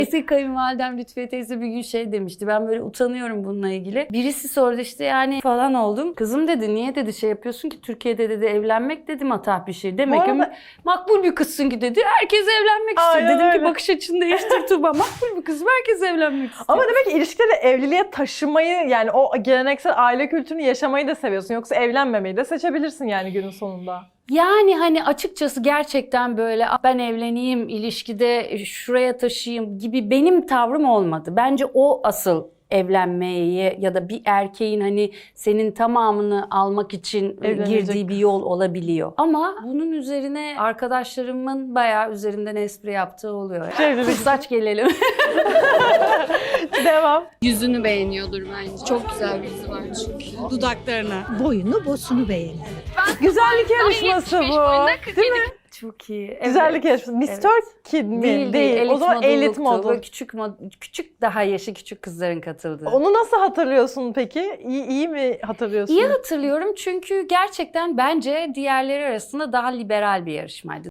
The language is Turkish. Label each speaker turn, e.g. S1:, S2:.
S1: Eski kayınvalidem Lütfiye teyze bir gün şey demişti. Ben böyle utanıyorum bununla ilgili. Birisi sordu işte yani falan oldum. Kızım dedi niye dedi şey yapıyorsun ki Türkiye'de dedi evlenmek dedi matah bir şey. Demek ki makbul bir kızsın ki dedi. Herkes evlenmek istiyor. Dedim
S2: öyle.
S1: ki bakış açını değiştir Tuğba. Makbul bir kızım herkes evlenmek istiyor.
S2: Ama demek ki ilişkileri evliliğe taşımayı yani o geleneksel aile kültürünü yaşamayı da seviyorsun. Yoksa evlenmemeyi de seçebilirsin yani günün sonunda.
S1: Yani hani açıkçası gerçekten böyle ben evleneyim, ilişkide şuraya taşıyayım gibi benim tavrım olmadı. Bence o asıl evlenmeyi ya da bir erkeğin hani senin tamamını almak için girdiği bir yol olabiliyor. Ama bunun üzerine arkadaşlarımın bayağı üzerinden espri yaptığı oluyor. Saç gelelim.
S2: Devam.
S3: Yüzünü beğeniyordur bence. Çok güzel bir yüzü var çünkü.
S4: Dudaklarına. Boyunu bosunu beğenir.
S2: Güzellik yarışması bu. Değil mi?
S1: Çok iyi. Evet.
S2: Güzellik yarışması. Mr. Kid mi? Değil. O zaman elit model.
S1: Böyle küçük daha yaşı küçük kızların katıldığı.
S2: Onu nasıl hatırlıyorsun peki? İyi mi hatırlıyorsun?
S1: İyi hatırlıyorum çünkü gerçekten bence diğerleri arasında daha liberal bir yarışmaydı.